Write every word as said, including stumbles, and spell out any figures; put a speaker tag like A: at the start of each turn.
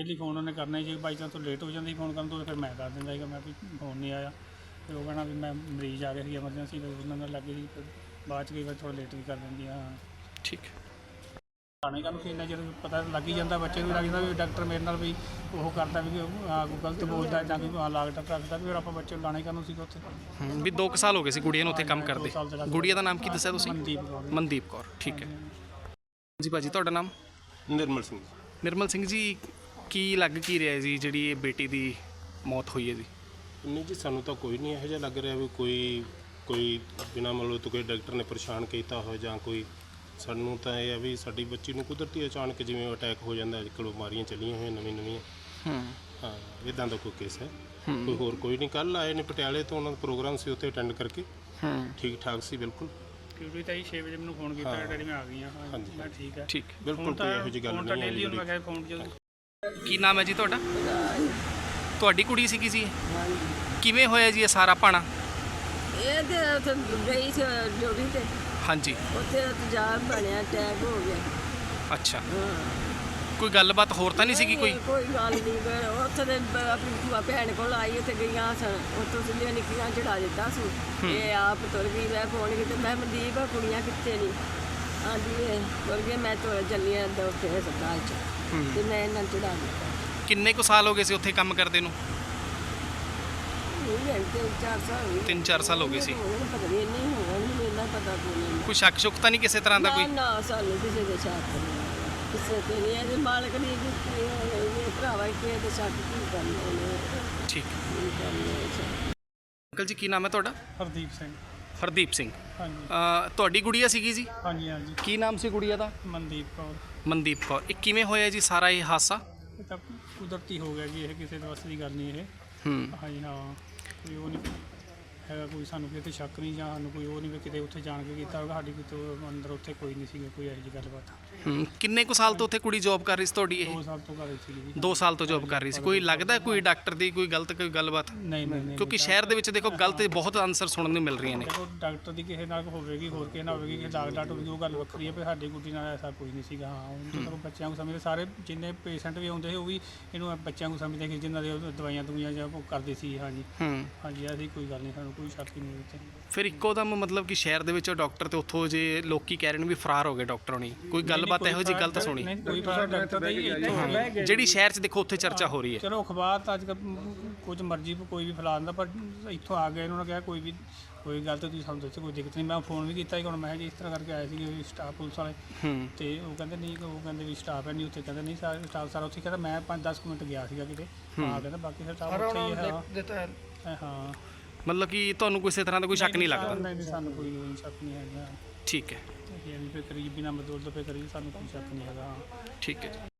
A: ਲਈ ਫੋਨ ਉਹਨੇ ਕਰਨਾ ਹੀ, ਜੇ ਬਾਈ ਚਾਂਸ ਤੋਂ ਲੇਟ ਹੋ ਜਾਂਦੀ ਫੋਨ ਕਰਨ ਤੋਂ ਫਿਰ ਮੈਂ ਕਰ ਦਿੰਦਾ ਸੀਗਾ, ਮੈਂ ਵੀ ਫੋਨ ਨਹੀਂ ਆਇਆ ਤੇ ਉਹ ਕਹਿਣਾ ਵੀ ਮੈਂ ਮਰੀਜ਼ ਆ ਗਿਆ ਸੀ ਐਮਰਜੈਂਸੀ, ਉਹਨਾਂ ਨਾਲ ਲੱਗੇ ਸੀ, ਬਾਅਦ 'ਚ ਕਈ ਵਾਰ ਥੋੜ੍ਹਾ ਲੇਟ ਵੀ ਕਰ ਦਿੰਦੀ ਆ।
B: ਠੀਕ
A: ਲਾਣੇ ਕਰਨ ਫਿਰ ਇੰਨਾ ਜਦੋਂ ਪਤਾ ਲੱਗ ਹੀ ਜਾਂਦਾ, ਬੱਚੇ ਨੂੰ ਵੀ ਲੱਗ ਜਾਂਦਾ ਵੀ ਡਾਕਟਰ ਮੇਰੇ ਨਾਲ ਵੀ ਉਹ ਕਰਦਾ ਵੀ ਆ ਕੋਈ ਗਲਤ ਬੋਲਦਾ ਜਾਂ ਕੋਈ ਲਾਗਟ ਰੱਖਦਾ, ਫਿਰ ਆਪਾਂ ਬੱਚੇ ਨੂੰ ਲਾਣੇ ਕਰਨ ਸੀਗਾ ਉੱਥੇ।
B: ਵੀ ਦੋ ਕੁ ਸਾਲ ਹੋ ਗਏ ਸੀ ਗੁੜੀਆ ਨੂੰ ਉੱਥੇ ਕੰਮ ਕਰਦੇ। ਗੁੜੀਆ ਦਾ ਨਾਮ ਕੀ ਦੱਸਿਆ ਤੁਸੀਂ?
A: ਮਨਦੀਪ ਕੌਰ।
B: ਮਨਦੀਪ ਕੌਰ, ਠੀਕ ਹੈ ਜੀ। ਭਾਜੀ ਤੁਹਾਡਾ ਨਾਮ?
C: ਨਿਰਮਲ ਸਿੰਘ।
B: ਨਿਰਮਲ ਸਿੰਘ ਜੀ, ਕੀ ਲੱਗ ਕੀ ਰਿਹਾ ਜੀ ਜਿਹੜੀ ਇਹ ਬੇਟੀ ਦੀ ਮੌਤ ਹੋਈ ਹੈ ਜੀ?
C: ਨਹੀਂ ਜੀ, ਸਾਨੂੰ ਤਾਂ ਕੋਈ ਨਹੀਂ ਇਹੋ ਜਿਹਾ ਲੱਗ ਰਿਹਾ ਵੀ ਕੋਈ ਕੋਈ ਬਿਨਾਂ ਮਤਲਬ ਤੋਂ ਕੋਈ ਡਾਕਟਰ ਨੇ ਪਰੇਸ਼ਾਨ ਕੀਤਾ ਹੋਇਆ ਜਾਂ ਕੋਈ। ਸਾਨੂੰ ਤਾਂ ਇਹ ਆ ਵੀ ਸਾਡੀ ਬੱਚੀ ਨੂੰ ਕੁਦਰਤੀ ਅਚਾਨਕ ਜਿਵੇਂ ਅਟੈਕ ਹੋ ਜਾਂਦਾ, ਅੱਜ ਕੱਲ੍ਹ ਬਿਮਾਰੀਆਂ ਚੱਲੀਆਂ ਹੋਈਆਂ ਨਵੀਂ ਨਵੀਆਂ।
B: ਹੂੰ
C: ਹਾਂ, ਇੱਦਾਂ ਦਾ ਕੋਈ ਕੇਸ ਹੈ, ਕੋਈ ਹੋਰ ਕੋਈ ਨਹੀਂ। ਕੱਲ੍ਹ ਆਏ ਨੇ ਪਟਿਆਲੇ ਤੋਂ, ਉਹਨਾਂ ਦਾ ਪ੍ਰੋਗਰਾਮ ਸੀ, ਉੱਥੇ ਅਟੈਂਡ ਕਰਕੇ
B: ਹੂੰ
C: ਠੀਕ ਠਾਕ ਸੀ ਬਿਲਕੁਲ।
A: ਕਿਉਂਕਿ ਤਾਂ ਛੇ ਵਜੇ ਮੈਨੂੰ ਫੋਨ ਕੀਤਾ, ਡੈਡੀ ਮੈਂ ਆ ਗਈ ਹਾਂ।
C: ਹਾਂਜੀ
A: ਮੈਂ ਠੀਕ ਹੈ,
B: ਠੀਕ
C: ਬਿਲਕੁਲ ਕੋਈ ਇਹੋ ਜਿਹੀ ਗੱਲ
A: ਫੋਨ ਤਾਂ
C: ਨਹੀਂ
A: ਡੇਲੀ ਉਹਨੂੰ ਮੈਂ
C: ਹੈ।
A: ਕਿਹਾ ਫੋਨ ਜਦੋਂ।
B: ਕੀ ਨਾਮ ਹੈ ਜੀ ਤੁਹਾਡਾ? ਤੁਹਾਡੀ ਕੁੜੀ ਸੀਗੀ ਜੀ? ਕਿਵੇਂ ਹੋਇਆ ਜੀ ਇਹ ਸਾਰਾ ਭਾਣਾ?
D: ਇਹ ਤੇ ਉੱਥੇ ਗਈ ਸੀ ਡਿਊਟੀ ਤੇ,
B: ਹਾਂਜੀ
D: ਉੱਥੇ ਤੇਜ਼ਾਬ ਬਣਿਆ, ਅਟੈਕ ਹੋ ਗਿਆ।
B: ਅੱਛਾ,
D: ਹਾਂ,
B: ਕੋਈ ਗੱਲਬਾਤ ਹੋਰ ਤਾਂ ਨਹੀਂ ਸੀਗੀ ਕੋਈ?
D: ਕੋਈ ਗੱਲ ਨਹੀਂ। ਫਿਰ ਉੱਥੇ ਦੇ ਬ- ਆਪਣੀ ਭੂਆ ਭੈਣ ਕੋਲ ਆਈ, ਉੱਥੇ ਗਈਆਂ ਸਨ, ਉੱਥੋਂ ਸਿੱਧੀਆਂ ਨਿੱਕੀਆਂ ਚੜਾ ਦਿੱਤਾ ਸੀ। ਇਹ ਆਪ ਤੁਰ ਗਈ, ਮੈਂ ਫੋਨ ਕੀਤਾ, ਮੈਂ ਮਨਦੀਪ ਆ, ਕੁੜੀਆਂ ਕਿੱਥੇ ਨਹੀਂ? ਹਾਂਜੀ ਇਹ ਤੁਰ ਗਏ, ਮੈਂ ਤੁਰ ਚੱਲੀ ਆ ਉੱਥੇ ਹਸਪਤਾਲ 'ਚ, ਤੇ ਮੈਂ ਇਹਨਾਂ ਨੂੰ ਚੜਾ ਦਿੱਤਾ।
B: ਕਿੰਨੇ ਕੁ ਸਾਲ ਹੋ ਗਏ ਸੀ ਉੱਥੇ ਕੰਮ ਕਰਦੇ ਨੂੰ?
D: ਇਹ ਤਿੰਨ ਚਾਰ ਸਾਲ ਹੋ ਗਏ।
B: ਤਿੰਨ ਚਾਰ ਸਾਲ ਹੋ ਗਏ ਸੀ।
D: ਹੁਣ ਪਤਾ ਨਹੀਂ, ਨਹੀਂ ਹੋਣਾ, ਮੈਨੂੰ ਇੰਨਾ ਪਤਾ ਕੋਈ ਨਹੀਂ।
B: ਕੋਈ ਸ਼ੱਕ ਸ਼ੁਕ ਤਾਂ ਨਹੀਂ ਕਿਸੇ ਤਰ੍ਹਾਂ ਦਾ
D: ਨਾ
B: ਕੋਈ?
D: ਨਾ, ਸਾਨੂੰ ਕਿਸੇ ਦੇ ਸ਼ੱਕ ਨਹੀਂ, ਕਿਸੇ ਤੇ ਨਹੀਂ। ਇਹਦੇ ਮਾਲਕ ਨੇ ਕੀਤੀ, ਇਹ ਭਰਾਵਾ ਕਿਸੇ ਦੇ ਸ਼ੱਕ ਕੀ ਕਰਨਾ ਉਹਨੇ,
B: ਠੀਕ।
D: ਕੀ ਕਰਨਾ।
B: ਅੰਕਲ ਜੀ ਕੀ ਨਾਮ ਹੈ ਤੁਹਾਡਾ?
A: ਹਰਦੀਪ ਸਿੰਘ।
B: ਹਰਦੀਪ ਸਿੰਘ।
A: ਹਾਂਜੀ
B: ਅ, ਤੁਹਾਡੀ ਗੁੜੀਆ ਸੀਗੀ ਜੀ?
A: ਹਾਂਜੀ ਹਾਂਜੀ
B: ਕੀ ਨਾਮ ਸੀ ਗੁੜੀਆ ਦਾ?
A: ਮਨਦੀਪ ਕੌਰ।
B: ਮਨਦੀਪ ਕੌਰ। ਇਹ ਕਿਵੇਂ ਹੋਇਆ ਜੀ ਸਾਰਾ ਇਹ ਹਾਦਸਾ?
A: ਇਹ ਤਾਂ ਕੁਦਰਤੀ ਹੋ ਗਿਆ ਜੀ, ਇਹ ਕਿਸੇ ਦੇ ਵੱਸ ਦੀ ਗੱਲ ਨਹੀਂ ਇਹ।
B: ਹੂੰ
A: ਹਾਂਜੀ ਹਾਂ, ਕੋਈ ਉਹ ਨਹੀਂ ਹੈਗਾ, ਕੋਈ ਸਾਨੂੰ ਕਿਤੇ ਸ਼ੱਕ ਨਹੀਂ ਜਾਂ ਸਾਨੂੰ ਕੋਈ ਉਹ ਨਹੀਂ ਵੀ ਕਿਤੇ ਉੱਥੇ ਜਾਣ ਕੇ ਕੀਤਾ ਹੋਵੇਗਾ। ਸਾਡੀ ਕਿਤੇ ਅੰਦਰ ਉੱਥੇ ਕੋਈ ਨਹੀਂ ਸੀਗਾ, ਕੋਈ ਇਹੋ ਜਿਹੀ ਗੱਲਬਾਤ।
B: ਹੂੰ ਕਿੰਨੇ ਕੁ ਸਾਲ ਤੋਂ ਉੱਥੇ ਕੁੜੀ ਜੌਬ ਕਰ ਰਹੀ ਸੀ ਤੁਹਾਡੀ? ਇਹ
A: ਦੋ ਸਾਲ ਤੋਂ ਘਰ ਸੀਗੀ ਜੀ।
B: ਦੋ ਸਾਲ ਤੋਂ ਜੌਬ ਕਰ ਰਹੀ ਸੀ। ਕੋਈ ਲੱਗਦਾ ਕੋਈ ਡਾਕਟਰ ਦੀ ਕੋਈ ਗਲਤ ਕੋਈ ਗੱਲਬਾਤ?
A: ਨਹੀਂ ਨਹੀਂ ਨਹੀਂ,
B: ਕਿਉਂਕਿ ਸ਼ਹਿਰ ਦੇ ਵਿੱਚ ਦੇਖੋ ਗਲਤ ਬਹੁਤ ਆਨਸਰ ਸੁਣਨ ਨੂੰ ਮਿਲ ਰਹੀਆਂ ਨੇ।
A: ਦੇਖੋ ਡਾਕਟਰ ਦੀ ਕਿਸੇ ਨਾਲ ਹੋਵੇਗੀ, ਹੋਰ ਕਿਸੇ ਨਾਲ ਹੋਵੇਗੀ, ਕਿ ਡਾਕ ਡਾਟ ਹੋਵੇਗੀ, ਉਹ ਗੱਲ ਵੱਖਰੀ ਹੈ। ਪਰ ਸਾਡੀ ਗੁੱਡੀ ਨਾਲ ਐਸਾ ਕੋਈ ਨਹੀਂ ਸੀਗਾ। ਹਾਂ, ਹੁਣ ਜਦੋਂ ਬੱਚਿਆਂ ਨੂੰ ਸਮਝਦੇ, ਸਾਰੇ ਜਿੰਨੇ ਪੇਸ਼ੈਂਟ ਵੀ ਆਉਂਦੇ ਸੀ ਉਹ ਵੀ ਇਹਨੂੰ ਬੱਚਿਆਂ ਨੂੰ ਸਮਝਦੇ ਕਿ ਜਿਨ੍ਹਾਂ ਦੇ ਉਹ ਦਵਾਈਆਂ ਦਵਾਈਆਂ ਜਾਂ ਉਹ ਕਰਦੇ ਸੀ। ਹਾਂਜੀ
B: ਹੂੰ
A: ਹਾਂਜੀ, ਐਸੀ ਕੋਈ ਗੱਲ ਨਹੀਂ, ਸਾਨੂੰ ਕੋਈ ਸ਼ੱਕ ਹੀ ਨਹੀਂ ਇੱਥੇ।
B: ਫਿਰ ਇੱਕੋ ਦਮ ਮਤਲਬ ਕਿ ਸ਼ਹਿਰ ਦੇ ਵਿੱਚ ਡਾਕਟਰ ਤੇ ਉੱਥੋਂ ਜੇ ਲੋਕੀ ਕਹਿ ਰਹੇ ਨੇ ਵੀ ਫਰਾਰ ਹੋ ਗਏ ਡਾਕਟਰ ਹੋਣੀ, ਕੋਈ ਗੱਲਬਾਤ ਇਹੋ ਜਿਹੀ ਗਲਤ ਸੁਣੀ?
A: ਨਹੀਂ, ਕੋਈ ਫਰਕ ਡਾਕਟਰ ਦਾ ਹੀ ਇੱਥੇ ਹੋ ਗਿਆ।
B: ਜਿਹੜੀ ਸ਼ਹਿਰ 'ਚ ਦੇਖੋ ਉੱਥੇ ਚਰਚਾ ਹੋ ਰਹੀ ਹੈ।
A: ਚਲੋ ਅਖਬਾਰ ਤਾਂ ਅੱਜ ਕੱਲ੍ਹ ਕੁਝ ਮਰਜ਼ੀ ਕੋਈ ਵੀ ਫੈਲਾ ਦਿੰਦਾ, ਪਰ ਇੱਥੋਂ ਆ ਗਏ, ਇਹਨਾਂ ਨੇ ਕਿਹਾ ਕੋਈ ਵੀ ਕੋਈ ਗੱਲ ਤਾਂ ਤੁਸੀਂ ਸਾਨੂੰ ਦੱਸੋ, ਕੋਈ ਦਿੱਕਤ ਨਹੀਂ। ਮੈਂ ਫੋਨ ਵੀ ਕੀਤਾ ਸੀ, ਹੁਣ ਮੈਂ ਜੀ ਇਸ ਤਰ੍ਹਾਂ ਕਰਕੇ ਆਏ ਸੀਗੇ ਸਟਾਫ ਪੁਲਿਸ ਵਾਲੇ,
B: ਹੂੰ
A: ਤੇ ਉਹ ਕਹਿੰਦੇ ਨਹੀਂ, ਉਹ ਕਹਿੰਦੇ ਵੀ ਸਟਾਫ ਹੈ ਨਹੀਂ ਉੱਥੇ, ਕਹਿੰਦੇ ਨਹੀਂ ਸਾਰਾ ਸਟਾਫ ਸਾਰਾ ਉੱਥੇ। ਕਹਿੰਦਾ ਮੈਂ ਪੰਜ ਦਸ ਮਿੰਟ ਗਿਆ ਸੀਗਾ ਕਿਤੇ, ਆ ਕਹਿੰਦਾ ਬਾਕੀ ਸਟਾਫ ਉੱਥੇ ਹੀ ਹੈ। ਹਾਂ,
B: ਮਤਲਬ ਕਿ ਤੁਹਾਨੂੰ ਕਿਸੇ ਤਰ੍ਹਾਂ ਦਾ ਕੋਈ ਸ਼ੱਕ ਨਹੀਂ ਲੱਗਦਾ?
A: ਨਹੀਂ ਨਹੀਂ, ਸਾਨੂੰ ਕੋਈ ਕੋਈ ਸ਼ੱਕ ਨਹੀਂ ਹੈਗਾ।
B: ਠੀਕ ਹੈ,
A: ਇਹ ਵੀ ਫਿਰ ਕਰੀਬੀ ਨਾ ਬਦਲ ਤੋਂ ਫਿਰ ਕਰੀਬ ਸਾਨੂੰ ਕੋਈ ਸ਼ੱਕ ਨਹੀਂ ਹੈਗਾ।
B: ਠੀਕ ਹੈ ਜੀ।